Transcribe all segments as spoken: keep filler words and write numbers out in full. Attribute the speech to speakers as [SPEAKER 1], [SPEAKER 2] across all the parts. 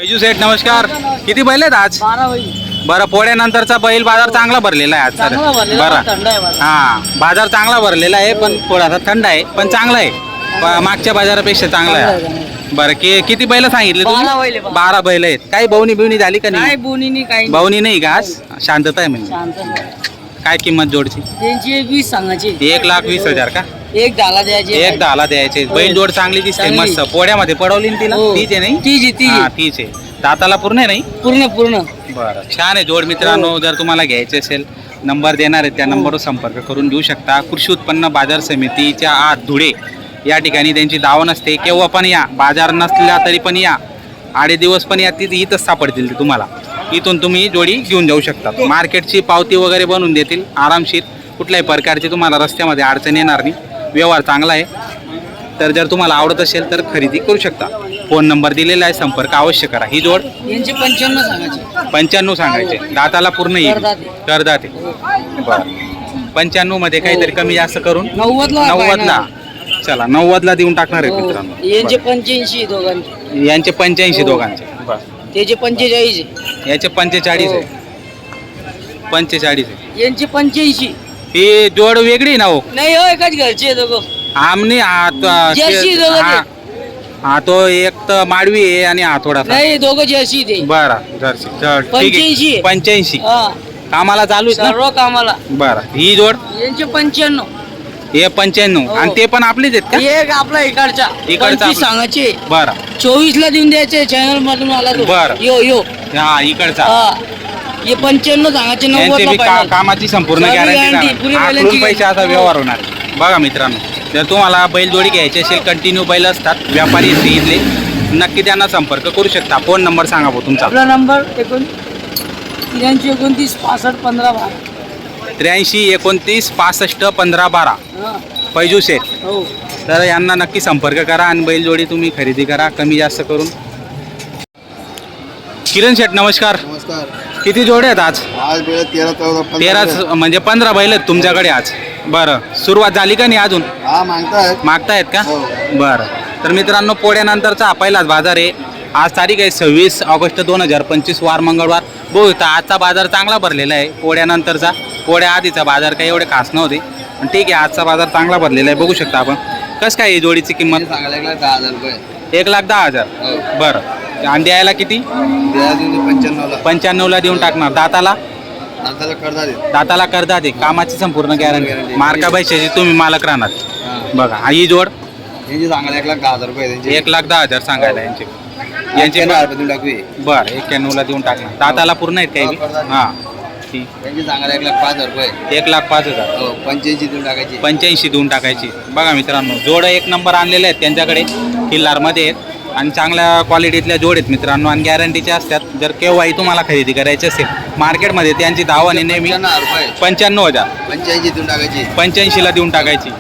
[SPEAKER 1] बिजू सेठ नमस्कार. किती बैल आहेत आज?
[SPEAKER 2] बारा बैल.
[SPEAKER 1] बरं, पोळ्यानंतरचा बैल बाजार चांगला भरलेला आहे आज तर.
[SPEAKER 2] चांगला भरलेला आहे,
[SPEAKER 1] बरं
[SPEAKER 2] थंड आहे बाजार.
[SPEAKER 1] हा, बाजार चांगला भरलेला आहे पण थोडासा थंड आहे पण चांगला आहे. प- मागच्या बाजारापेक्षा चांगला
[SPEAKER 2] चांगला
[SPEAKER 1] आहे.
[SPEAKER 2] आहे.
[SPEAKER 1] बरं, की किती बैल सांगितले तुम्ही?
[SPEAKER 2] बारा बैल आहे, बारा.
[SPEAKER 1] बारा बैल आहेत. काही बवणी बिवणी झाली का
[SPEAKER 2] काय
[SPEAKER 1] नाही?
[SPEAKER 2] बोनीनी काही नाही.
[SPEAKER 1] बवणी नाही का आज? शांतता आहे म्हणजे.
[SPEAKER 2] शांत नाही.
[SPEAKER 1] काय किंमत जोडची?
[SPEAKER 2] त्यांची वीस सांगायची.
[SPEAKER 1] एक लाख वीस हजार का?
[SPEAKER 2] एक डाला द्यायची.
[SPEAKER 1] एक दहाला द्यायचे. बैल जोड चांगली दिसते
[SPEAKER 2] चांगली.
[SPEAKER 1] मस्त. पोळ्यामध्ये पडवली ना तिला?
[SPEAKER 2] हो.
[SPEAKER 1] तीच आहे नाही?
[SPEAKER 2] तीच आहे, तीच
[SPEAKER 1] हा
[SPEAKER 2] आहे.
[SPEAKER 1] तीच आहे. दाताला पूर्ण आहे नाही?
[SPEAKER 2] पूर्ण पूर्ण.
[SPEAKER 1] बरं, छान आहे जोड मित्रांनो. जर तुम्हाला घ्यायचे असेल नंबर देणार आहे त्या नंबरवर संपर्क करून घेऊ शकता. कृषी उत्पन्न बाजार समितीच्या आत धुळे या ठिकाणी त्यांची दावण असते. केव्हा पण या, बाजार नसला तरी पण या, आडे दिवस पण या, तिथे इथंच सापडतील ते तुम्हाला. इथून तुम्ही जोडी घेऊन जाऊ शकता. मार्केटची पावती वगैरे बनवून देतील आरामशीर. कुठल्याही प्रकारची तुम्हाला रस्त्यामध्ये अडचण येणार नाही. व्यवहार चांगला आहे. तर जर तुम्हाला आवडत असेल तर खरेदी करू शकता. फोन नंबर दिलेला आहे, संपर्क अवश्य करा. ही जोड
[SPEAKER 2] यांची पंच्याण्णव सांगायची.
[SPEAKER 1] पंच्याण्णव सांगायचे. दाताला पूर्ण येईल.
[SPEAKER 2] करदाते.
[SPEAKER 1] करदाते. बरं, पंच्याण्णव मध्ये काहीतरी कमी जास्त करून
[SPEAKER 2] नव्वदला
[SPEAKER 1] नव्वदला. चला, नव्वदला देऊन टाकणार आहे
[SPEAKER 2] हो.
[SPEAKER 1] मित्रांनो.
[SPEAKER 2] यांचे पंच्याऐंशी दोघांचे.
[SPEAKER 1] बरं. यांचे पंच्याऐंशी
[SPEAKER 2] हो.
[SPEAKER 1] दोघांचे.
[SPEAKER 2] त्याचे पंचेचाळीस आहे.
[SPEAKER 1] याचे पंचेचाळीस
[SPEAKER 2] हो.
[SPEAKER 1] आहे. पंचेचाळीस आहे.
[SPEAKER 2] यांचे पंच्याऐंशी.
[SPEAKER 1] ही जोड वेगळी ना हो?
[SPEAKER 2] नाही हो, एकाच घरचे आहे दोघं.
[SPEAKER 1] आमने हा
[SPEAKER 2] जर्सी दोघं
[SPEAKER 1] हा- हा तो एक तर माडवी आहे आणि हा थोडासा.
[SPEAKER 2] नाही दोघं जर्सी ते.
[SPEAKER 1] बरं, जर्सी. चल, ठीक
[SPEAKER 2] पंच्याऐंशी.
[SPEAKER 1] आहे. पंच्याऐंशी
[SPEAKER 2] हा,
[SPEAKER 1] कामाला चालू आहे ना?
[SPEAKER 2] सर्व कामाला.
[SPEAKER 1] बरं, ही जोड
[SPEAKER 2] यांचे पंच्याण्णव.
[SPEAKER 1] हे पंच्याण्णव.
[SPEAKER 2] हो.
[SPEAKER 1] आणि ते पण आपलेच आहेत का?
[SPEAKER 2] एक आपला इकडचा
[SPEAKER 1] इकडचा
[SPEAKER 2] पंचवीस
[SPEAKER 1] आपला.
[SPEAKER 2] सांगायचे.
[SPEAKER 1] बरं
[SPEAKER 2] चोवीस ला देऊन द्यायचे. चॅनल मधून आला तो.
[SPEAKER 1] बरं.
[SPEAKER 2] यो यो
[SPEAKER 1] हा, इकडचा.
[SPEAKER 2] हा, हे पंच्याण्णव सांगायचे.
[SPEAKER 1] यांचे
[SPEAKER 2] नव्वद
[SPEAKER 1] बी का- कामाची संपूर्ण
[SPEAKER 2] सर्व
[SPEAKER 1] गॅरंटी
[SPEAKER 2] guarantee, पुरी बैलांची
[SPEAKER 1] आखलून पैसे असा
[SPEAKER 2] guarantee.
[SPEAKER 1] व्यवहार होणार. बघा मित्रांनो, जर तुम्हाला बैलजोडी घ्यायची असेल, कंटिन्यू बैल असतात, व्यापारी असते इथले, नक्की त्यांना संपर्क करू शकता. फोन नंबर सांगा भाऊ तुमचा.
[SPEAKER 2] आपला नंबर एकोण त्र्याऐंशी एकोणतीस पासष्ट पंधरा बारा.
[SPEAKER 1] त्र्याऐंशी एकोणतीस पासष्ट पंधरा बारा.
[SPEAKER 2] हा,
[SPEAKER 1] पैजू शेठ.
[SPEAKER 2] हो.
[SPEAKER 1] तर यांना नक्की संपर्क करा आणि बैलजोडी तुम्ही खरेदी करा कमी जास्त करून. किरण शेठ नमस्कार.
[SPEAKER 3] नमस्कार.
[SPEAKER 1] किती जोडे आहेत आज?
[SPEAKER 3] आज वेळ तेरा चौदा पंधरा
[SPEAKER 1] तेरा
[SPEAKER 3] वेळ.
[SPEAKER 1] म्हणजे पंधरा बैल आहेत तुमच्याकडे आज. बरं, सुरुवात झाली का नाही अजून?
[SPEAKER 3] हा मागतायत.
[SPEAKER 1] मागतायत का?
[SPEAKER 3] हो.
[SPEAKER 1] बरं. तर मित्रांनो, पोळ्यानंतरचा हा पहिलाच बाजार आहे. आज तारीख आहे सव्वीस ऑगस्ट दोन हजार पंचवीस वार मंगळवार. बघू तर आजचा बाजार चांगला भरलेला आहे. पोळ्यानंतरचा, पोळ्या आधीचा बाजार काही एवढे खास नव्हते पण ठीक आहे, आजचा बाजार चांगला भरलेला आहे. बघू शकता आपण. कसं काय आहे जोडीची किंमत?
[SPEAKER 3] सांगायला एक लाख दहा हजार रुपये.
[SPEAKER 1] एक लाख दहा हजार.
[SPEAKER 3] हो.
[SPEAKER 1] बरं, आणि द्यायला किती?
[SPEAKER 3] द्या देऊन पंच्याण्णवला.
[SPEAKER 1] पंच्याण्णवला देऊन टाकणार. दाताला?
[SPEAKER 3] नाताला करता देत.
[SPEAKER 1] दाताला करता दे. कामाची संपूर्ण गॅरंटी.
[SPEAKER 3] guarantee.
[SPEAKER 1] मार्का पैशाची तुम्ही मालक राहणार.
[SPEAKER 3] हा.
[SPEAKER 1] बघा, हा ही जोड
[SPEAKER 3] यांची सांगायला एक लाख दहा हजार रुपये त्यांचे.
[SPEAKER 1] एक लाख दहा हजार सांगायला यांचे.
[SPEAKER 3] यांचे
[SPEAKER 1] यांचे
[SPEAKER 3] दहा रुपये देऊन टाकू.
[SPEAKER 1] बरं, एक्क्याण्णवला देऊन टाकणार. दाताला पूर्ण आहेत काही
[SPEAKER 3] हो,
[SPEAKER 1] बी?
[SPEAKER 3] करतात.
[SPEAKER 1] हां, ठीक.
[SPEAKER 3] त्यांची सांगायला एक लाख पाच हजार रुपये.
[SPEAKER 1] एक लाख पाच हजार.
[SPEAKER 3] हो, पंच्याऐंशी देऊन टाकायची.
[SPEAKER 1] पंच्याऐंशी देऊन टाकायची. बघा मित्रांनो, जोड एक नंबर आणलेले आहेत त्यांच्याकडे. किल्लारमध्ये आहेत आणि चांगल्या क्वालिटीतल्या जोड आहेत मित्रांनो आणि गॅरंटीचे असतात. जर केव्हाही तुम्हाला खरेदी करायची असेल मार्केटमध्ये त्यांची दावा आणि नेहमी
[SPEAKER 3] पंच्याण्णव हजार रुपये.
[SPEAKER 1] पंच्याण्णव हजार.
[SPEAKER 3] पंच्याऐंशी देऊन टाकायची.
[SPEAKER 1] पंच्याऐंशीला देऊन टाकायची.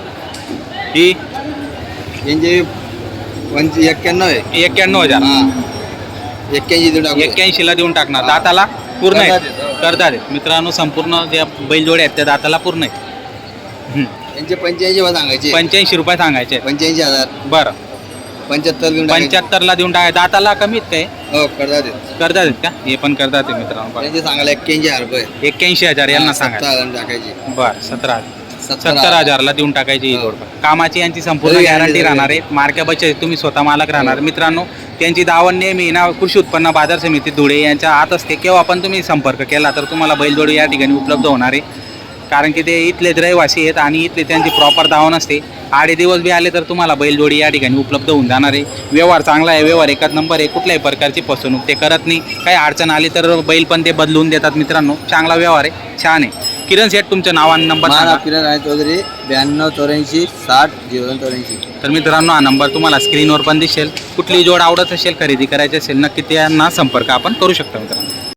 [SPEAKER 1] ही
[SPEAKER 3] यांचे पंच एक्क्याण्णव आहे.
[SPEAKER 1] एक्क्याण्णव हजार.
[SPEAKER 3] हा, एक्क्याऐंशी देऊन टाकू.
[SPEAKER 1] एक्क्याऐंशीला देऊन टाकणार. दाताला पूर्ण
[SPEAKER 3] करतात
[SPEAKER 1] आहेत.
[SPEAKER 3] आहेत.
[SPEAKER 1] करतात आहेत मित्रांनो. संपूर्ण ज्या बैलजोड्या आहेत त्या दाताला पूर्ण आहेत. हं.
[SPEAKER 3] यांचे पंच्याऐंशी वर सांगायचे.
[SPEAKER 1] पंच्याऐंशी रुपये सांगायचे आहेत.
[SPEAKER 3] पंच्याऐंशी हजार.
[SPEAKER 1] बरं,
[SPEAKER 3] पंच्याहत्तर देऊन टाकायचे.
[SPEAKER 1] पंच्याहत्तरला देऊन टाकाय. दाताला कमीत काय?
[SPEAKER 3] हो, करता देत.
[SPEAKER 1] करतात आहेत का? हे पण करतात आहे मित्रांनो.
[SPEAKER 3] त्यांचे सांगायला एक्क्याऐंशी हजार रुपये.
[SPEAKER 1] एक्क्याऐंशी हजार यांना
[SPEAKER 3] सत्तर
[SPEAKER 1] सांगायचं.
[SPEAKER 3] हजार टाकायची.
[SPEAKER 1] बरं, सतरा हजार.
[SPEAKER 3] सत्तर
[SPEAKER 1] सत्तर हजारला देऊन टाकायची ही
[SPEAKER 3] हो.
[SPEAKER 1] जोड. कामाची यांची संपूर्ण
[SPEAKER 3] हो,
[SPEAKER 1] गॅरंटी
[SPEAKER 3] guarantee
[SPEAKER 1] राहणार आहे. मार्क्या बचत तुम्ही स्वतः मालक राहणार. मित्रांनो, त्यांची दावण नेहमी ना कृषी उत्पन्न बाजार समिती धुळे यांच्या आत असते. केव्हा पण तुम्ही संपर्क केला तर तुम्हाला बैलजोडी या ठिकाणी उपलब्ध होणार आहे. कारण की ते इथलेच रहिवासी आहेत आणि इथले त्यांची प्रॉपर दावण असते. आडे दिवस बी आले तर तुम्हाला बैलजोडी या ठिकाणी उपलब्ध होऊन जाणार आहे. व्यवहार चांगला आहे. व्यवहार एकाच नंबर आहे. कुठल्याही प्रकारची फसवणूक ते करत नाही. काही अडचण आली तर बैल पण ते बदलून देतात मित्रांनो. चांगला व्यवहार आहे. छान आहे. किरण शेठ तुमचं नाव आणि नंबर
[SPEAKER 3] माझा
[SPEAKER 1] सांगा.
[SPEAKER 3] किरण आहे चौधरी. ब्याण्णव चौऱ्याऐंशी साठ झिरो दोन चौऱ्याऐंशी.
[SPEAKER 1] तर मित्रांनो, हा नंबर तुम्हाला स्क्रीनवर पण दिसेल. कुठली जोड आवडत असेल, खरेदी करायची असेल, नक्की त्यांना संपर्क आपण करू शकता मित्रांनो.